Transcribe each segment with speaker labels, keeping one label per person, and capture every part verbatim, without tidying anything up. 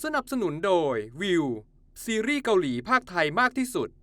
Speaker 1: นับสนุนโดยวิวซีรีส์เกาหลีภาคไทยมากที่สุด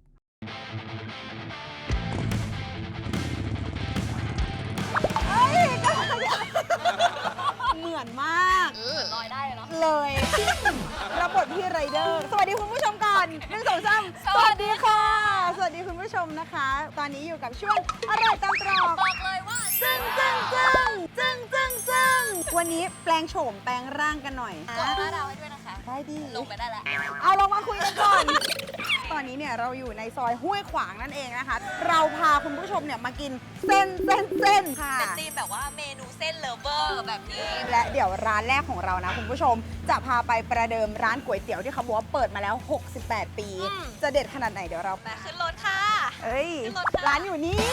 Speaker 2: เหมือนมากลอยได้เลยเนาะเลยรับบทพี่ไรเดอร์สวัสดีคุณผู้ชมก่อนหนึ่งสองสามสวัสดีค่ะสวัสดีคุณผู้ชมนะคะตอนนี้อยู่กับช่วงอร่อยตามตรอกบอกเลยว่าจึ้งจึ้งจึ้งจึ้งจึ้งจึ้งวันนี้แปลงโฉมแปลงร่างกันหน่อยกดห้าดาวให้ด้วยนะคะได้ดีลงไปได้แล้วเอาลงมาคุยกันก่อนตอนนี้เนี่ยเราอยู่ในซอยห้วยขวางนั่นเองนะคะเราพาคุณผู้ชมเนี่ยมากินเส้นเส้นเส้นค่ะ
Speaker 3: เป็นธีมแบบว่าเมนูเส้นเลฟเวอร์แบบนี้
Speaker 2: และเดี๋ยวร้านแรกของเรานะคุณผู้ชมจะพาไปประเดิมร้านก๋วยเตี๋ยวที่เขาบอกว่าเปิดมาแล้วหกสิบแปดปีจะเด็ดขนาดไหนเดี๋ยวเรา
Speaker 3: ไปขึ้นรถค่ะ
Speaker 2: เอ้ยร้านอยู่นี่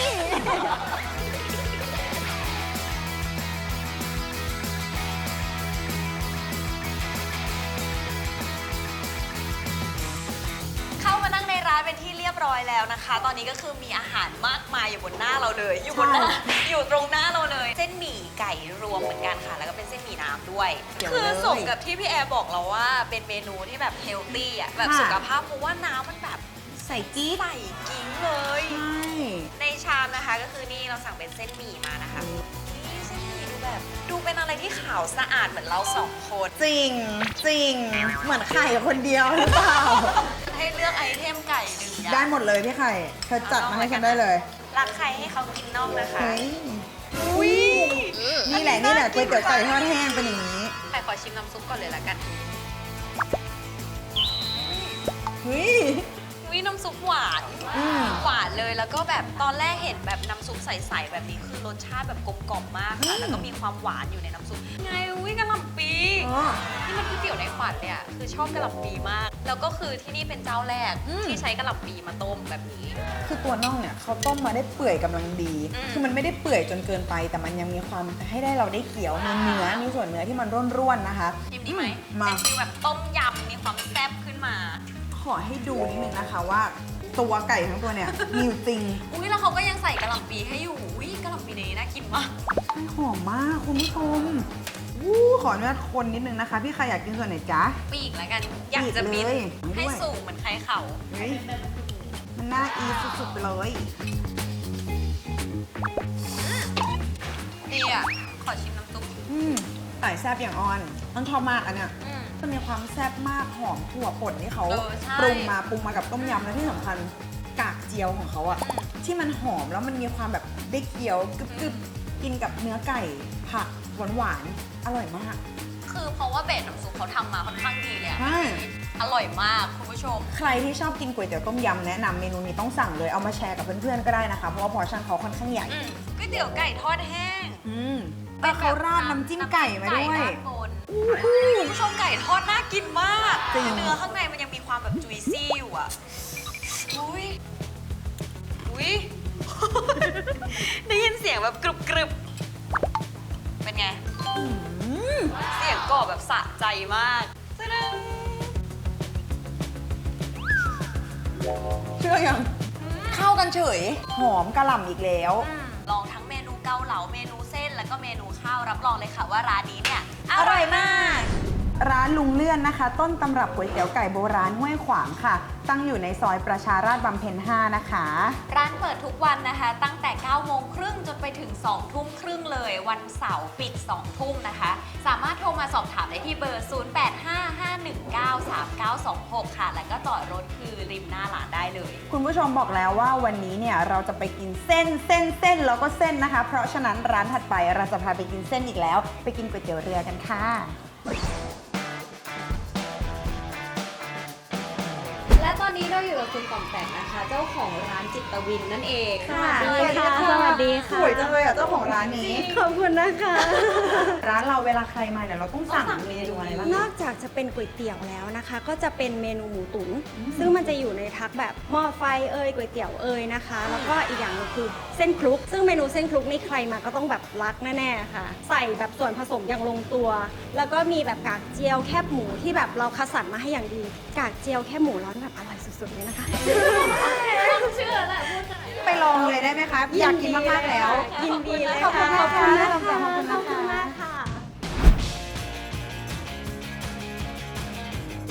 Speaker 3: เข้ามานั่งในร้านเป็นที่เรียบร้อยแล้วนะคะตอนนี้ก็คือมีอาหารมากมายอยู่บนหน้าเราเลยอยู่บนหน้าอยู่ตรงหน้าเราเลยเส้นหมี่ไก่รวมเหมือนกันค่ะแล้วก็เป็นเส้นหมี่น้ำด้วยคือสมกับที่พี่แอร์บอกเราว่าเป็นเมนูที่แบบเฮลตี้อ่ะแบบสุขภาพเพราะว่าน้ำมันแบบ
Speaker 2: ใส่จี๊ด
Speaker 3: ใส่กิ้งเลย
Speaker 2: ใช่
Speaker 3: ในชามนะคะก็คือนี่เราสั่งเป็นเส้นหมี่มานะคะนี่เส้นหมี่ดูแบบดูเป็นอะไรที่ขาวสะอาดเหมือนเราสองคน
Speaker 2: จริงจริงเหมือนไข่คนเดียวหรือเปล่า
Speaker 3: ให้เลือกไอเทมไก่หนึ่งอย่าง
Speaker 2: ได้หมดเลยพี่ไข่เธอจัดมาให้ฉันได้เลย
Speaker 3: รักใครให้เขากินน่องนะคะ
Speaker 2: อุ้ยนี่แหละนี่แหละก๋วยเตี๋ยวไก่ทอดแห้งเป็นอย่างนี้
Speaker 3: ไข่ขอชิมน้ำซุปก่อนเลยละกัน
Speaker 2: เฮ้ย
Speaker 3: วิน้ำซุปหวานหวานเลยแล้วก็แบบตอนแรกเห็นแบบน้ำซุปใสๆแบบนี้คือรสชาติแบบกลมกล่อมมากค่ะแล้วก็มีความหวานอยู่ในน้ำซุปไงวิกะหล่ำปีนี่มันก๋วยเตี๋ยวในฝันเนี่ยคือชอบกะหล่ำปีมากแล้วก็คือที่นี่เป็นเจ้าแรกที่ใช้กะหล่ำปีมาต้มแบบนี้
Speaker 2: คือตัวน่องเนี่ยเขาต้มมาได้เปื่อยกำลังดีคือมันไม่ได้เปื่อยจนเกินไปแต่มันยังมีความให้ได้เราได้เคี้ยวมีเนื้อมีส่วนเนื้อที่มันร่วนๆนะคะ
Speaker 3: ชิมดีไหมเป็นฟีลแบบต้มยำมีความแซ่บขึ้นมา
Speaker 2: ขอให้ดูนิดนึงนะคะว่าตัวไก่ทั้งตัวเนี่ยมีจริง
Speaker 3: อุ้ยแล้วเขาก็ยังใส่กะหล่ำปีให้อยู่อุ้ยกะหล่ำปีนี้น่ากินมาก
Speaker 2: หอมมากคุณผู้ชมวู้ขออนุญาตคนนิดนึงนะคะพี่ใครอยากกินส่วนไหนจ๊ะ
Speaker 3: ปีกแล้วกันอยากจะบินให้สูงเหมือนไข่เข่า
Speaker 2: มันน่าอีสุดๆเลย
Speaker 3: ดีอ่ะขอชิมน้ำซุป
Speaker 2: อืมไก่แซ่บอย่างออนต้องชอบมากอันเนี้ยจะมีความแซ่บมากหอมถั่วป่นที่เขาปรุงมาปรุงมากับต้มยำและที่สำคัญกากเจียวของเขาอะที่มันหอมแล้วมันมีความแบบได้เคี้ยวกรึบๆกินกับเนื้อไก่ผักหวานๆอร่อยมาก
Speaker 3: คือเพราะว่าเบสน้ำซุปเขาทำมาค่อนข้างดีเลย
Speaker 2: ใช่
Speaker 3: อร่อยมากคุณผู้ชม
Speaker 2: ใครที่ชอบกินก๋วยเตี๋ยวต้มยำแนะนำเมนูนี้ต้องสั่งเลยเอามาแชร์กับเพื่อนๆก็ได้นะคะเพราะว่าพอร์ชั่นเขาค่อนข้างใหญ่
Speaker 3: ก๋วยเตี๋ยวไก่ทอดแห้ง
Speaker 2: แต่เขาราดน้ำจิ้มไก่มาด้วย
Speaker 3: คุณผู้ชมไก่ทอดน่ากินมากเนื้อข้างในมันยังมีความแบบจุยซี่อยู่อ่ะอุ้ยอุ้ยได้ยินเสียงแบบกรึบกรึบเป็นไงเสียงกรอบแบบสะใจมาก
Speaker 2: เชื่อยังเข้ากันเฉยหอมกะหล่ำอีกแล้ว
Speaker 3: ลองทั้งเมนูเกาเหลาเมนูเส้นแล้วก็เมนูข้าวรับรองเลยค่ะว่าร้านนี้เนี่ยอร่อยมาก
Speaker 2: ร้านลุงเลื่อนนะคะต้นตำรับก๋วยเตี๋ยวไก่โบราณห้วยขวางค่ะตั้งอยู่ในซอยประชาราษฎร์บำเพ็ญห้านะคะ
Speaker 3: ร้านเปิดทุกวันนะคะตั้งแต่เก้าโมงครึ่งจนไปถึงสองทุ่มครึ่งเลยวันเสาร์ปิดสองทุ่มนะคะสามารถโทรมาสอบถามได้ที่เบอร์ศูนย์ แปด ห้า ห้า หนึ่ง เก้า สาม เก้า สอง หกค่ะแล้วก็จอดรถคือริมหน้าร้านได้เลย
Speaker 2: คุณผู้ชมบอกแล้วว่าวันนี้เนี่ยเราจะไปกินเส้นเส้นเส้นแล้วก็เส้นนะคะเพราะฉะนั้นร้านถัดไปเราจะพาไปกินเส้นอีกแล้วไปกินก๋วยเตี๋ยวเรือกันค่ะ
Speaker 3: และตอนนี้เราอยู่กับคุณต่อมแตกนะคะเจ้าของร้านจิตวินนั่นเอง
Speaker 2: ค่ะสวัสดีค่ะสวัสดีค่ะสวยจังเลยอ่ะเจ้าของร้านนี้
Speaker 4: ขอบคุณนะคะ
Speaker 2: ร้านเราเวลาใครมาเนี่ยเราต้องสั่งเมนูอะไรบ้าง
Speaker 4: นอกจากจะเป็นก๋วยเตี๋ยวแล้วนะคะก็จะเป็นเมนูหมูตุ๋นซึ่งมันจะอยู่ในทักแบบหม้อไฟเอ่ยก๋วยเตี๋ยวเอ่ยนะคะแล้วก็อีกอย่างนึงคือเส้นคลุกซึ่งเมนูเส้นคลุกนี่ใครมาก็ต้องแบบรักแน่ๆค่ะใส่แบบส่วนผสมอย่างลงตัวแล้วก็มีแบบกากเจียวแคบหมูที่แบบเราคัดสรรมาให้อย่างดีกากเจียวแคบหมูร้อนแบบอร่อยสุดๆเลยนะคะ
Speaker 3: เชื่อแหละพูด
Speaker 2: ไปลองเลยได้ไหมคะอยากกินมากๆแล้ว
Speaker 4: ยินดีเลยค่ะ
Speaker 2: ขอบคุณค่ะขอบคุณนะคะ
Speaker 4: ขอบคุณมากค่ะ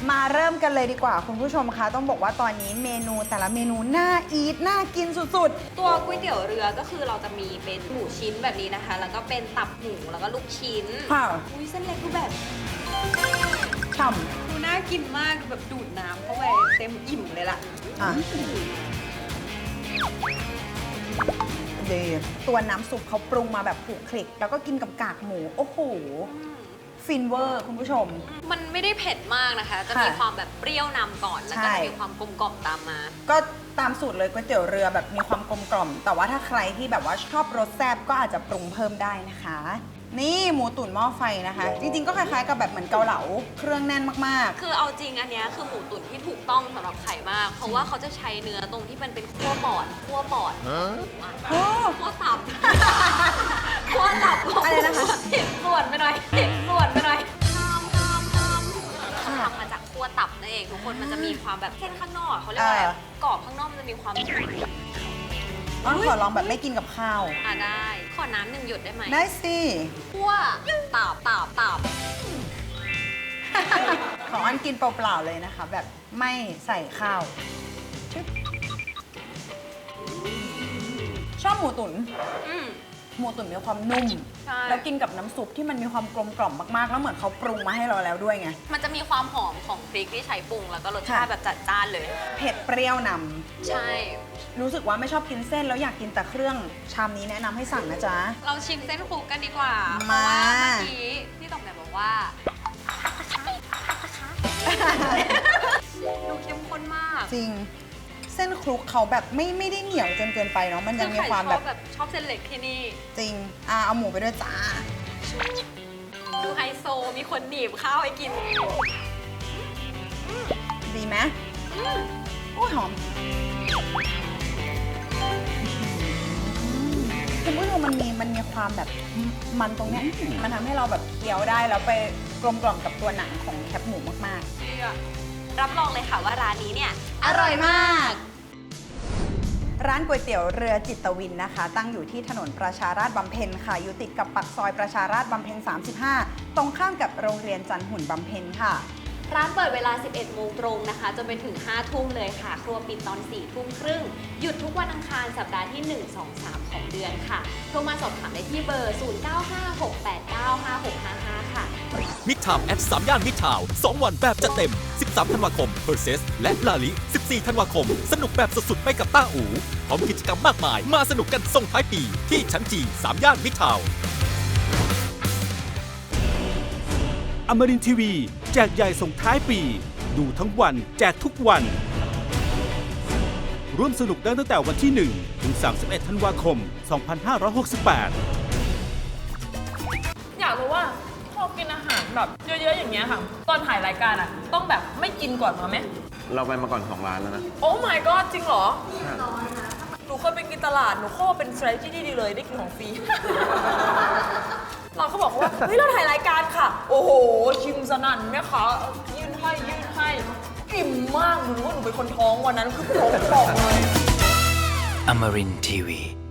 Speaker 2: มาเริ่มกันเลยดีกว่าคุณผู้ชมคะต้องบอกว่าตอนนี้เมนูแต่ละเมนูน่าอีทน่ากินสุด
Speaker 3: ตัวก๋วยเตี๋ยวเรือก็คือเราจะมีเป็นหมูชิ้นแบบนี้นะคะ แล้วก็เป็นตับหมูแล้วก็ลูกชิ้น
Speaker 2: ๆค่ะ
Speaker 3: อุ้ยเส้นเล็กดูแบบ
Speaker 2: ฉ่
Speaker 3: ดูน่ากินมากดูแบบดูดน้ำเข้าไปเต็มอิ่มเลยล่ะ
Speaker 2: ำอ่ะดีตัวน้ำซุปเขาปรุงมาแบบผูกคลิก แล้วก็กินกับกากหมู โอ้โห ฟินเวอร์คุณผู้ชม
Speaker 3: มันไม่ได้เผ็ดมากนะคะ จะมีความแบบเปรี้ยวนำก่อน แล้วก็
Speaker 2: ใช่
Speaker 3: จะมีความกลมกล่อมตามมา
Speaker 2: ก็ตามสูตรเลยก๋วยเตี๋ยวเรือแบบมีความกลมกล่อม แต่ว่าถ้าใครที่แบบว่าชอบรสแซ่บก็อาจจะปรุงเพิ่มได้นะคะ นี่หมูตุ๋นหม้อไฟนะคะ จริงๆก็คล้ายๆกับแบบเหมือนเกาเหลาเครื่องแน่นมาก
Speaker 3: คือเอาจริงอันเนี้ยคือหมูตุ๋นที่ถูกต้องสำหรับไข่มาก เพราะว่าเขาจะใช้เนื้อตรงที่มันเป็นขั้วปอดขั้วปอด
Speaker 2: ๆโอ้
Speaker 3: ขั้วตับ ขั้วตับ
Speaker 2: อะไรนะคะ
Speaker 3: เห็นส่วนไปหน่อยเห็นส่วนไปหน่อยห้ามห้ามห้ามเขาทำมาจากขั้วตับนั่นเองทุกคนมันจะมีความแบบเส้นข้างนอกเขาเรียกว่าอะไรกรอบข้างนอกมันจะมีความ
Speaker 2: อ้อนขอลองแบบไม่กินกับข้าว
Speaker 3: อ่ะได้ ขอน้ำหนึ่งหยดได้ไหม
Speaker 2: ได้สิ
Speaker 3: ขั้วตับตับตับ
Speaker 2: ของอันกินเปล่าๆเลยนะคะ แบบไม่ใส่ข้าวชึบชอบหมูตุ๋น
Speaker 3: อืม
Speaker 2: หมูตุ๋นมีความนุ่ม
Speaker 3: ใช่
Speaker 2: แล้วกินกับน้ำซุปที่มันมีความกลมกล่อมมากๆ แล้วเหมือนเขาปรุงมาให้เราแล้วด้วยไง
Speaker 3: มันจะมีความหอมของพริกที่ใช้ปรุงแล้วก็รสชาติ
Speaker 2: ค่ะ
Speaker 3: แบบจัดจ้านเลย
Speaker 2: เผ็ดเปรี้ยวน
Speaker 3: ใช่
Speaker 2: ำรู้สึกว่าไม่ชอบกินเส้นแล้วอยากกินแต่เครื่องชามนี้แนะนำให้สั่งนะจ๊ะ
Speaker 3: เราชิมเส้นคลุกกันดีกว่า เพ
Speaker 2: มา
Speaker 3: ราะว่าเมื่อกี้พี่ต๋อมเนี่ยบอกว่าดูเข้มข้นมาก
Speaker 2: จริง เส้นคลุกเขาแบบไม่ไม่ได้เหนียวจนเกินไปเนาะมันยังมีความแบบ
Speaker 3: ชอบแบบชอบเส้นเล็กที่นี่
Speaker 2: จริงอ่ะเอาหมูไปด้วยจ้า
Speaker 3: ดูไฮโซมีคนหนีบข้าวให้กิน
Speaker 2: ดีไหมโอ้ยหอมคุณผู้ชมมันมีมันมีความแบบมันตรงเนี้ยมันทำให้เราแบบเคี้ยวได้แล้วไปกลมกล่อมกับตัวหนังของแคบหมูมาก
Speaker 3: รับรองเลยค่ะว่าร้านนี้เนี่ย
Speaker 2: ๆ อร่อยมาก ร้านก๋วยเตี๋ยวเรือจิตวินนะคะ ตั้งอยู่ที่ถนนประชาราษฎร์บำเพ็ญค่ะ อยู่ติดกับปากซอยประชาราษฎร์บำเพ็ญสามสิบห้า ตรงข้ามกับโรงเรียนจันทหุ่นบำเพ็ญค่ะ
Speaker 3: ร้านเปิดเวลา สิบเอ็ดโมงตรงนะคะจนไปถึง ห้าทุ่มเลยค่ะ ครัวปิดตอน สี่ทุ่มครึ่ง หยุดทุกวันอังคารสัปดาห์ที่ หนึ่ง สอง สาม ของเดือนค่ะ โทรมาสอบถามได้ที่เบอร์ ศูนย์ เก้า ห้า หก แปด เก้า ห้า หก ห้า ห้า ค่ะ
Speaker 5: มิดทาวน์แอดสามย่านมิดทาวน์สองวันแบบจัดเต็ม สิบสาม ธันวาคม เพอร์เซส และลาลิ สิบสี่ ธันวาคม สนุกแบบสุดๆ ไปกับต้าอู๋พร้อมกิจกรรมมากมาย มาสนุกกันส่งท้ายปี ที่ชั้นจีสามย่านมิดทาวน์อมรินทีวีแจกใหญ่ส่งท้ายปี ดูทั้งวันแจกทุกวัน ร่วมสนุกได้ตั้งแต่วันที่ หนึ่ง ถึง สามสิบเอ็ด ธันวาคม สองพันห้าร้อยหกสิบแปด
Speaker 6: อยากรู้ว่าพอกินอาหารแบบเยอะๆอย่างเงี้ยค่ะ ตอนถ่ายรายการอ่ะ ต้องแบบไม่กินก่อนมาไหม
Speaker 7: เราไปมาก่อนสองร้านแล้วนะ
Speaker 6: โอ้ my god จริงเหรอ หนูเคยไปกินตลาด หนูเข้าว่าเป็น strategy ที่ดีเลยได้กินของฟรี เราก็บอกว่า เฮ้ย เราถ่ายรายการค่ะ โอ้โห ชิมสนั่นแม่ค้ายื่นให้ยื่นให้อิ่มมาก หนูรู้ว่าหนูเป็นคนท้องวันนั้นคือท้องป่องเลย
Speaker 8: Amarin Tiwi.